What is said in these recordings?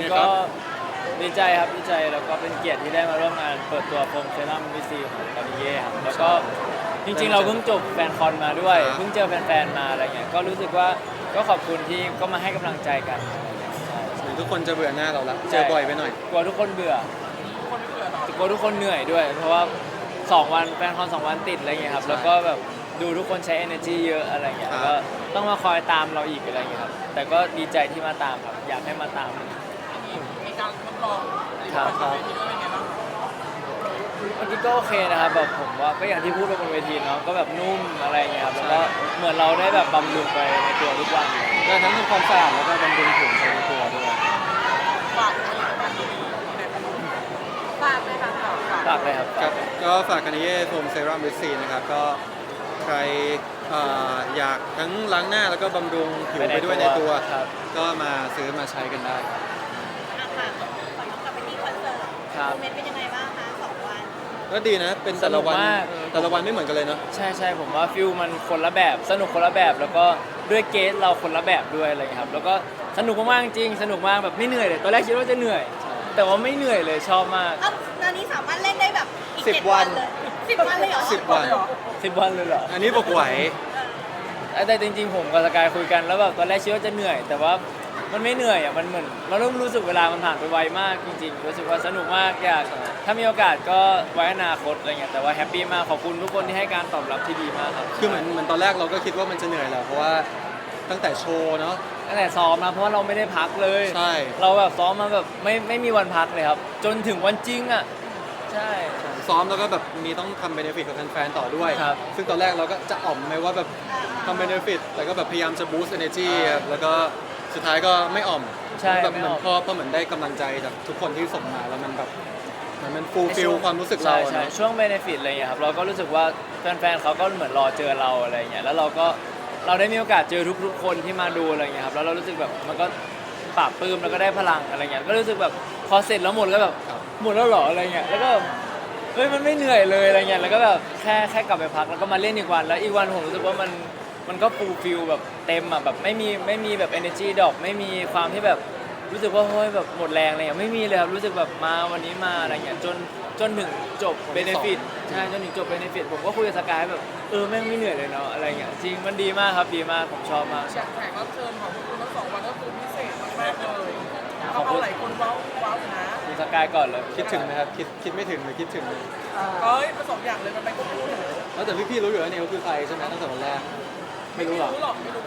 ไงคก็รับดีใจครับดีใจแล้วก็เป็นเกียรติที่ได้มาร่วมงานเปิดตัวโฟมเซรั่มวิซีของกานิเย่ครับแล้วก็จริงๆเราเพิ่งจบแฟนคอนมาด้วยเพิ่งเจอแฟนๆมาอะไรเงี้ยก็รู้สึกว่าก็ขอบคุณที่ก็มาให้กำลังใจกันใช่เหมือนทุกคนจะเบื่อหน้าเราละเจอบ่อยไปหน่อยกลัวทุกคนเบื่อกลัวทุกคนเหนื่อยด้วย เพราะว่า2 วันแฟนคอน2 วันติดอะไรเงี้ยครับแล้วก็แบบดูทุกคนใช้ energy เยอะอะไรเงี้ยครับก็ต้องมาคอยตามเราอีกอะไรเงี้ยครับแต่ก็ดีใจที่มาตามครับอยากให้มาตามมีการทดลองครับบนเวทีว่าเป็นไงบ้างเมื่อกี้ก็โอเคนะครับแบบผมว่าก็อย่างที่พูดไปบนเวทีเนาะก็แบบนุ่มอะไรเงี้ยครับแล้วก็เหมือนเราได้แบบบำรุงไปในตัวทุกวันเลยได้ทั้งทำความสะอาดแล้วก็บำรุงผิวไปในตัวด้วยฝากผลิตภัณฑ์ดีๆในประเทศฝากเลยค่ะฝากฝากเลยครับครับก็ฝากกันเย่โฟมเซรั่มวิซีนะครับก็ใครอยากทั้งล้างหน้าแล้วก็บำรุงผิวไปด้วยในตัวครับก็มาซื้อมาใช้กันได้ครับอ่ะค่ะขอย้อนกลับไปที่คอนเสิร์ตครับโมเมนต์เป็นยังไงบ้างคะ2 วันก็ดีนะเป็นแต่ละวันสนุกมากแต่ละวันไม่เหมือนกันเลยเนาะใช่ใช่ผมว่าฟิลมันคนละแบบสนุกคนละแบบแล้วก็ด้วยเกสเราคนละแบบด้วยอะไรอย่างเงี้ยครับแล้วก็สนุกมากๆจริงสนุกมากแบบไม่เหนื่อยเลยตอนแรกคิดว่าจะเหนื่อย แต่ว่าไม่เหนื่อยเลยชอบมากเอ้าตอนนี้สามารถเล่นได้แบบอีก 10 7 วันเลย10 วันเลยเหรอ 10 วัน 10 วันเลยเหรออันนี้บอกไหวแต่จริงๆผมกับสกายคุยกันแล้วแบบตอนแรกคิดว่าจะเหนื่อย แต่ว่ามันไม่เหนื่อยอ่ะมันเหมือนเราเริ่มรู้สึกเวลามันผ่านไปไวมากจริงๆรู้สึกว่าสนุกมากอยากถ้ามีโอกาสก็ไว้อนาคตอะไรเงี้ยแต่ว่าแฮปปี้มากขอบคุณทุกคนที่ให้การตอบรับที่ดีมากครับคือเหมือนตอนแรกเราก็คิดว่ามันจะเหนื่อยแหละเพราะว่าตั้งแต่โชว์เนาะตั้งแต่ซ้อมนะเพราะว่าเราไม่ได้พักเลยใช่เราแบบซ้อมมาแบบไม่มีวันพักเลยครับ จนถึงวันจริงอ่ะใช่ซ้อมแล้วก็แบบมีต้องทำเบเนฟิตกับแฟนๆต่อด้วยครับซึ่งตอนแรกเราก็จะอ่อมไหมว่าแบบทำเบเนฟิตแต่ก็แบบพยายามจะบูสต์ energy ครับแล้วก็สุดท้ายก็ไม่อ่อมใช่แบบไม่เหมือ่ออมนพอเหมือนได้กำลังใจจากทุกคนที่ส่งมาแล้วมันแบบมันฟูลฟิลความรู้สึกเราใช่ใช่เนาะช่วงเบนฟิตอะไรเงี้ยครับเราก็รู้สึกว่าแฟนๆเขาก็เหมือนรอเจอเราอะไรเงี้ยแล้วเราได้มีโอกาสเจอทุกๆคนที่มาดูอะไรเงี้ยครับแล้วเรารู้สึกแบบมันก็ปราบปลื้มแล้วก็ได้พลังอะไรเงี้ยก็รู้สึกแบบพอเสร็จแล้วหมดก็แบบหมดแล้วเหรออะไรเงี้ยแล้วก็แบบเฮ้ยมันไม่เหนื่อยเลยอะไรเงี้ยแล้วก็แบบแค่กลับไปพักแล้วก็มาเล่นอีกวันแล้วอีกวันผมรู้สึกว่ามันก็ฟูลฟิลแบบเต็มอ่ะแบบไม่มีแบบ energy ดรอปไม่มีความที่แบบรู้สึกว่าเฮ้ยแบบหมดแรงอะไรเงี้ยไม่มีเลยครับรู้สึกแบบมาวันนี้มาอะไรเงี้ยจนถึงจบเบเนฟิตใช่จนถึงจบเบเนฟิตผมก็คุยกับสกายแบบแม่งไม่เหนื่อยเลยเนาะอะไรเงี้ยจริงมันดีมากครับดีมากผมชอบมากแขกรับเชิญของพวกคุณทั้ง2 วันก็คือพิเศษมากๆเลยขอบเอาคุณหลายคนว้าวอยู่นะคุณสกายก่อนเลยคิดถึงไหมครับคิดไม่ถึงหรือคิดถึงเอ้ยผสมอย่างเลยมันไปควบคู่กันเลยแล้วแต่พี่ๆรู้อยู่แล้วเนี่ยเขาคือใครใช่ไหมตั้งแต่วันแรกไม่รู้หรอกหรอกไม่รู้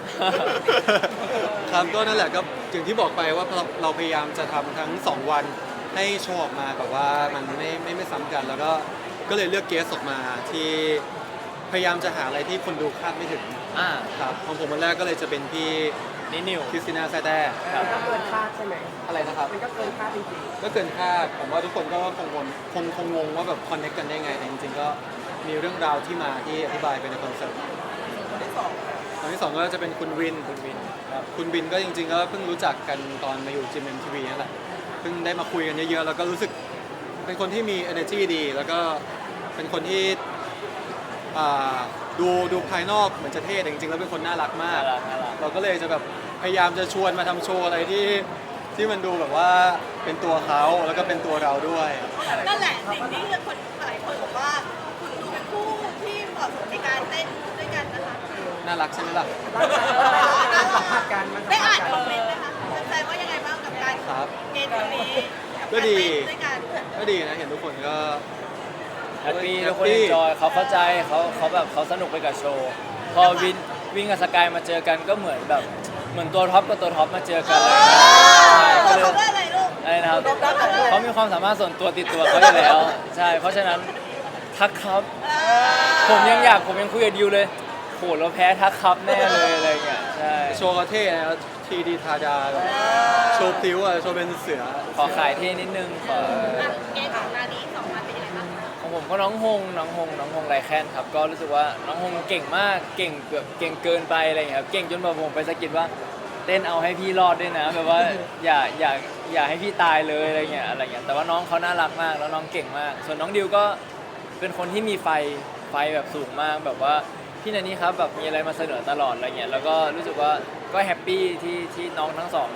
ครับก็นั่นแหละก็อย่างที่บอกไปว่าเราพยายามจะทำทั้ง 2 วันให้โชว์ออกมาแบบว่ามันไม่ซ้ำกัน แล้วก็เลยเลือกเกสออกมาที่พยายามจะหาอะไรที่คนดูคาดไม่ถึงอ่าครับของผมวันแรกก็เลยจะเป็นพี่นี่นิวคริสติน่าแซ่แต้ครับก็เกินคาดใช่ไหมอะไรนะครับมันก็เกินคาดจริงก็เกินคาดผมว่าทุกคนก็คงงงว่าแบบคอนเนคกันได้ไงแต่จริงๆก็มีเรื่องราวที่มาที่อธิบายไปในคอนเสิร์ตๆคนที่สองตอนที่สองก็จะเป็นคุณวินคุณวินครับคุณบินก็จริงๆก็เพิ่งรู้จักกันตอนมาอยู่จิมเอ็มทีวีนั่นแหละเพิ่งได้มาคุยกันเยอะๆแล้วก็รู้สึกเป็นคนที่มี energy ดี แล้วก็เป็นคนที่อ่าดูภายนอกเหมือนจะเท่แต่จริงๆแล้วเป็นคนน่ารักมาน่าก รักน่ารักเราก็เลยจะแบบพยายามจะชวนมาทำโชว์อะไรที่มันดูแบบว่าเป็นตัวเขาแล้วก็เป็นตัวเราด้วยนั่นแหละสิ่งที่คนหลายคนบอกว่าคุณดูเป็นคู่ที่เหมาะสมในการเต้นด้วยกันนะคะน่ารักใช่ไหมล่ะสัมภาษณ์กันมันสัได้มภาอ่าษนณ์คกัอมเมนต์ไหมคะแฟนๆว่ายังไงบ้างกับการครับเกณฑ์ตรงนี้ก็ดีการเต้นด้วยกันก็ดีนะเห็นทุกคนก็แฮปปี้แฮทุปกปี้คนเอนจอยเขาเข้าใจเขาแบบเขาสนุกไปกับโชว์ พอวินกับสกายมาเจอกันก็เหมือนแบบเหมือนตัวท็อปกับตัวท็อปมาเจอกันเลยใช่ก็เขาเลยได้อะไรลูกอะไรนะครับเขามีความสามารถส่วนตัวติดตัวเขาอยู่แล้ว ใช่ เพราะฉะนั้นทักครับ ผมยังคุยกับดิวเลยโหเราแพ้ทักครับแน่เลยอะไรเงี้ยใช่โชว์ก็เท่นะทีดีทาดาแบบโชว์พลิ้วอะโชว์เป็นเสือขอขายที่นิดนึงขอเกณฑ์ของนานี้2 วันเป็นยังไงบ้างคะของผมก็น้องฮงไรแคนครับก็รู้สึกว่าน้องฮงเก่งมากเก่งเก่งเกินไปอะไรอย่างเงี้ยครับเก่งจนแบบผมไปสะกิดว่าเต้นเอาให้พี่รอดด้วยนะแบบว่าอย่าให้พี่ตายเลยอะไรเงี้ยแต่ว่าน้องเขาน่ารักมากแล้วน้องเก่งมาก ส่วนน้องดิวก็เป็นคนที่มีไฟแบบสูงมากแบบว่าพี่นันนี่ครับแบบมีอะไรมาเสนอตลอดอะไรเงี้ยแล้วก็รู้สึกว่าก็แฮปปี้ที่น้องทั้งสองแบบ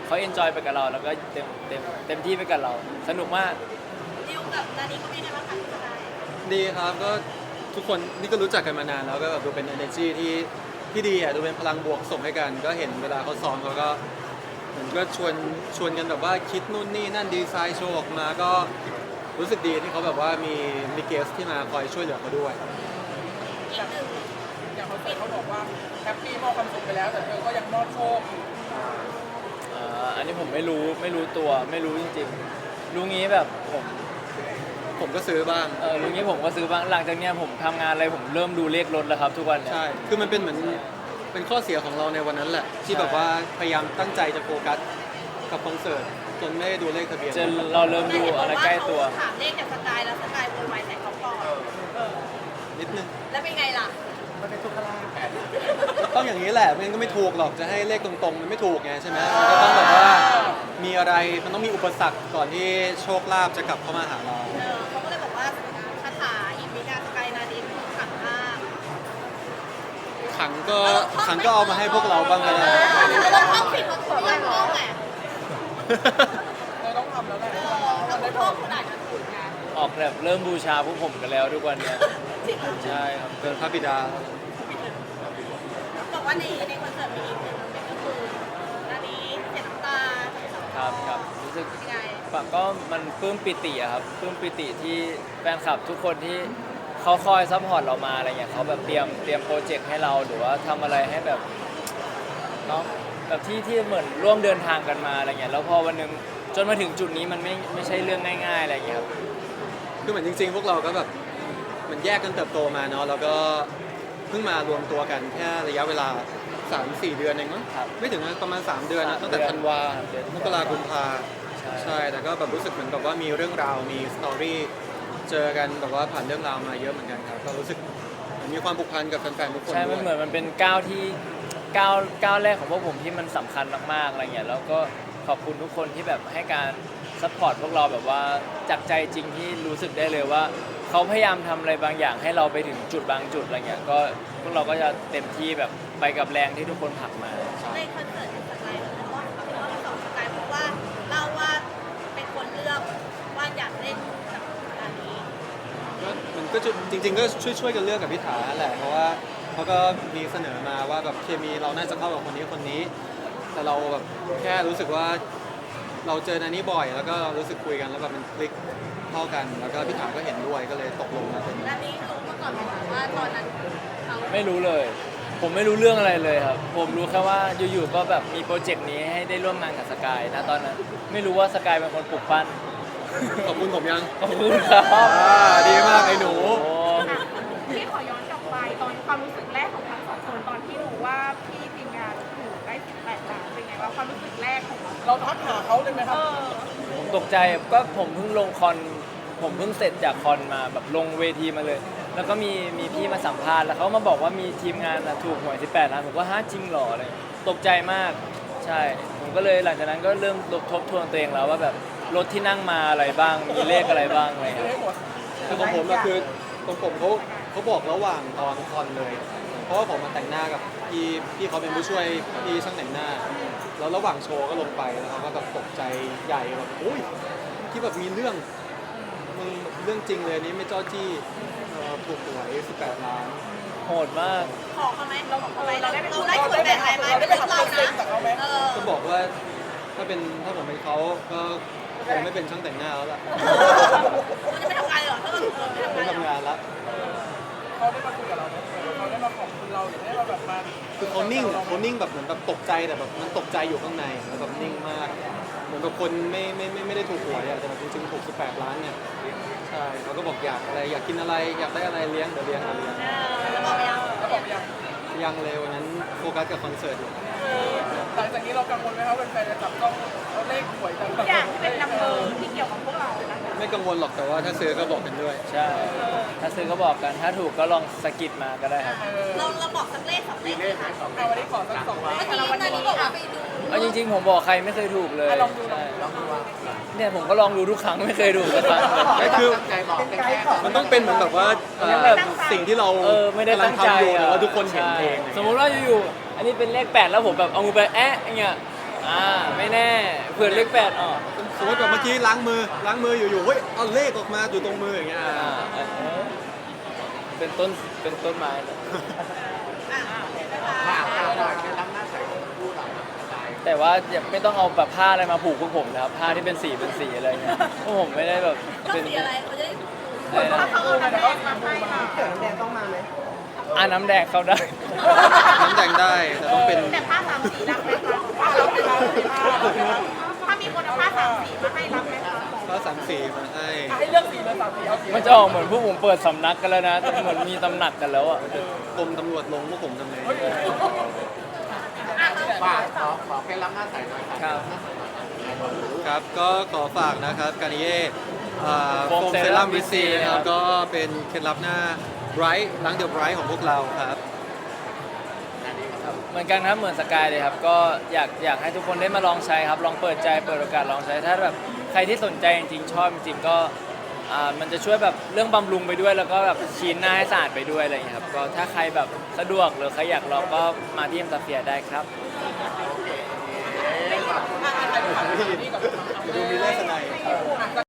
เขาเอนจอยไปกับเราแล้วก็เต็มที่ไปกับเราสนุกมากดิวกับนานี้ก็เป็นไงบ้างคะคุณนายดีครับก็ทุกคนนี่ก็รู้จักกันมานานแล้วก็แบบดูเป็น energy ที่ดีอ่ะดูเป็นพลังบวกส่งให้กัน ก็เห็นเวลาเขาซ้อมเขาก็เหมือนก็ชวนกันแบบว่าคิดนู่นนี่นั่นดีไซน์โชว์ออกมาก็รู้สึกดีที่เขาแบบว่ามีเกสที่มาคอยช่วยเหลือเขาด้วยอีกหนึ่งอย่างคอนเสิร์ตเขาบอกว่าแฮปปี้มอบความสุขไปแล้วแต่เธอก็ยังมอบโชคอยู่อันนี้ผมไม่รู้ตัวไม่รู้จริงๆรู้งี้แบบผมก็ซื้อบ้างรู้งี้ผมก็ซื้อบ้างหลังจากเนี้ยผมทำงานอะไรผมเริ่มดูเลขรถแล้วครับทุกวันเนี่ยใช่ คือมันเป็นเหมือนเป็นข้อเสียของเราในวันนั้นแหละ ที่ใช่แบบว่าพยายามตั้งใจจะโฟกัสกับคอนเสิร์ตจนไม่ได้ดูเลขทะเบียนจนเราเริ่มดูอะไรใกล้ตัวถามเลขจากสกายแล้วสกายโวยวายใส่เขาก่อนนิดนึงแล้วเป็นไงล่ะมันเป็นทุกขลาภต้องอย่างนี้แหละไม่งั้นก็ไม่ถูกหรอกจะให้เลขตรงๆมันไม่ถูกไงใช่ไหมมันก็ต้องแบบว่ามีอะไรมันต้องมีอุปสรรคก่อนที่โชคลาภจะกลับเข้ามาหาเราเขาก็เลยบอกว่าคาถาอิมิกาสกายนาดินขังมากขังก็เอามาให้พวกเราบ้างก็ได้เราต้องผิดคนถูกยังต้องไงเราต้องทำแล้วแหละเราต้องท่องขนาดนั้นถูกไงออกแบบเริ่มบูชาพวกผมกันแล้วทุกวันเนี่ยใช่ครับเป็นพระบิดาบอกว่าในคอนเสิร์ตมีอีกหนึ่งก็คือนานี้เสียน้ำตาทั้งสองครับรู้สึกยังไงฝั่งก็มันปลื้มปิติอะครับปลื้มปิติที่แฟนคลับทุกคนที่เขาคอยซัพพอร์ตเรามาอะไรเงี้ยเขาแบบเตรียมโปรเจกต์ให้เราหรือว่าทำอะไรให้แบบเนาะแบบที่เหมือนร่วมเดินทางกันมาอะไรเงี้ยแล้วพอวันหนึงจนมาถึงจุดนี้มันไม่ใช่เรื่องง่ายๆอะไรเงี้ยครับคือเหมือนจริงๆ พวกเราก็แบบมันแยกกันเติบโตมาเนาะแล้วก็เพิ่งมารวมตัวกันแค่ระยะเวลา 3-4 เดือนเองมั้งครับไม่ถึงนะประมาณ 3 เดือนนะ 3 ตั้งแต่เดือนธันวาเดือนมกราคมกุมภาใช่ใช่แต่ก็แบบรู้สึกเหมือนแบบว่ามีเรื่องราวมีสตอรี่เจอกันแบบว่าผ่านเรื่องราวมาเยอะเหมือนกันครับก็รู้สึกเหมือนมีความผูกพันกับแฟนๆทุกคนใช่ด้มัวน ยเหมือนมันเป็นก้าวที่ก้าวแรกของพวกผมที่มันสำคัญมากๆอะไรเงี้ยแล้วก็ขอบคุณทุกคนที่แบบให้การซัพพอร์ตพวกเราแบบว่าจากใจจริงที่รู้สึกได้เลยว่าเขาพยายามทำอะไรบางอย่างให้เราไปถึงจุดบางจุดอะไรเงี้ยก็พวกเราก็จะเต็มที่แบบไปกับแรงที่ทุกคนผลักมาใช่ในคอนเสิร์ตสกายเพราะว่าสองสกายเพราะว่าเล่าว่าเป็นคนเลือกว่าอยากเล่นกับนานี้ก็มันก็จะจริงๆก็ช่วยกันเลือกกับพิธาแหละเพราะว่าเขาก็มีเสนอมาว่าแบบเคมีเราน่าจะเข้ากับคนนี้ แต่เราแบบแค่รู้สึกว่าเราเจอนานี้บ่อย แล้วก็รู้สึกคุยกันแล้วแบบมันคลิกเข้ากัน แล้วก็พิธาก็เห็นด้วยก็เลยตกลงมาเป็นนานี้รู้มาก่อนไหมคะว่าตอนนั้นเขาไม่รู้เลย ผมไม่รู้เรื่องอะไรเลยครับ ผมรู้แค่ว่าอยู่ๆก็แบบมีโปรเจกต์นี้ให้ได้ร่วมงานกับสกายนะตอนนั้นไม่รู้ว่าสกายเป็นคนปลุกปั้นขอบคุณผมยังขอบคุณครับดีมากไอ้หนูโอ้พี่ขอย้อนกลับไปตอนความรู้สึกแรกของทั้งสองคนตอนที่รู้ว่าพี่ทีมงานถูกได้18 ล้านเป็นไงว่าความรู้สึกแรกของเราเราทักหาเขาเลยไหมครับผมตกใจก็ผมเพิ่งลงคอนผมเพิ่งเสร็จจากคอนมาแบบลงเวทีมาเลย แล้วก็มีพี่มาสัมภาษณ์แล้วเขามาบอกว่ามีทีมงานน่ะถูกหวย18 ล้านผมก็ฮะจริงเหรออะไรตกใจมากใช่ ผมก็เลยหลังจากนั้นก็เริ่มทบทวนตัวเองแล้วว่าแบบรถที่นั่งมาอะไรบ้างมีเลขอะไรบ้างอะไรอย่างซื้อเงี้ยให้หมดคือของผมอะคือของผมเขาบอกระหว่างตอนคอนเลย เพราะว่าผมมาแต่งหน้ากับพี่เขาเป็นผู้ช่วยพี่ช่างแต่งหน้า แล้วระหว่างโชว์ก็ลงไปแล้วเขาก็แบบตกใจใหญ่แบบอุ้ยที่แบบมีเรื่องมึงเรื่องจริงเลยนี่ไม่จ้อจี้ถูกหวย18 ล้านโหดมากขอเขาไหมเราขอเขาไหมเราได้ส่วนแบ่งอะไรไหมเราได้เป็นไปเรื่องทำเราเซ็นะนจากเขาไหมก็บอกว่าถ้าผมเป็นเขาก็คงไม่เป็นช่างแต่งหน้าแล้วล่ะคุณจะไปทำงานเหรอถ้าเราไม่ไม่ทำงานทำงานละเขาได้มาคุยกับเราไหมเขาได้มาขอบคุณเราหรือได้มาแบบมาคือเขานิ่งแบบเหมือนแบบตกใจแต่แบบมันตกใจอยู่ข้างในแล้วแบบนิ่งมาก เหมือนแบบคนไม่ได้ถูกหวยอะแต่แบบจริงๆถูก18 ล้านเนี่ยใช่เขาก็บอกอยากอะไรอยากกินอะไรอยากได้อะไรเลี้ยงเดี๋ยวเลี้ยงแล้วบอกยังแล้วบอกยังยังเลยวันนั้นโฟกัสกับคอนเสิร์ตอยู่หลังจากนี้เรากังวลไหมครับแฟนๆจะจับต้องเอาเลขหวยกันทุกอย่างที่เป็นนัมเบอร์ที่เกี่ยวกับพวกเรานะคะไม่กังวลหรอกแต่ว่าถ้าซื้อก็บอกกันด้วยใช่ ถ้าซื้อก็บอกกันถ้าถูกก็ลองสะกิดมาก็ได้ครับเราบอกสักเลขสองเลขไหมคะเอาวันนี้ขอสัก2 เลขเมื่อกี้นานี้บอกว่าไปดูเอาจริงๆผมบอกใครไม่เคยถูกเลยลองดูใช่ลองดูว่าเนี่ยผมก็ลองดูทุกครั้งไม่เคยถูกสักครั้งเลยไม่คือใจบอกเป็นแค่มันต้องเป็นเหมือนแบบว่ามันแบบสิ่งที่เราไม่ได้กำลัตั้งงใจทำอยู่แต่อะว่าทุกคนเห็นเองใช่สมมุติว่าอยู่ๆอันนี้เป็นเลข8แล้วผมแบบเอามือไปแอะอย่างเงี้ยไม่แน่เผื่อเลข8ออกสมมติแบบเมื่อกี้ล้างมืออยู่ๆเฮ้ยเอาเลขออกมาอยู่ตรงมืออย่างเงี้ยเป็นต้นไม้เลยแต่ว่าอย่าไม่ต้องเอาแบบผ้าอะไรมาผูกพวกผมนะครับผ้าที่เป็นสีอะไรเงี้ยพวกผมไม่ได้แบบต้อเป็งนสีอะไรเขาจะได้ถูกอะไรนะถ้าเขาเอาน้ำแดงมาให้เราน้ำแดงเข้าได้น้ำแดงได้แต่ต้องเป็นแต่ผ้าสามสีรับไหมคะถ้ามีคนเอาผ้าสามสีมาให้รับไหมคะก็สามสีมาให้มันจะออกเหมือนพวกผมเปิดสำนักกันแล้วนะเหมือนมีตำหนักกันแล้วอ่ะกรมตำรวจลงพวกผมทำไงครับครับก็ขอฝากนะครับการนิเย่โฟโฟมมเซเซรั่รั่มมวิซี VC นะคครัรับบ ก็เป็นเคล็ดลับหน้าไบรท์ล้างเดียวไบรท์ของพวกเราครับเหมือนกันครับเหมือนสกายเลยครับก็อยากให้ทุกคนได้มาลองใช้ครับลองเปิดใจเปิดโอกาสลองใช้ถ้าแบบใครที่สนใจจริงๆชอบจริงๆก็มันจะช่วยแบบเรื่องบำรุงไปด้วยแล้วก็แบบชีนหน้าให้สะอาดไปด้วยอะไรอย่างเงี้ยครับก็ถ้าใครแบบสะดวกหรือใครอยากลองก็มาที่เอ็มซาเฟียได้ครับดูมีเลขสไน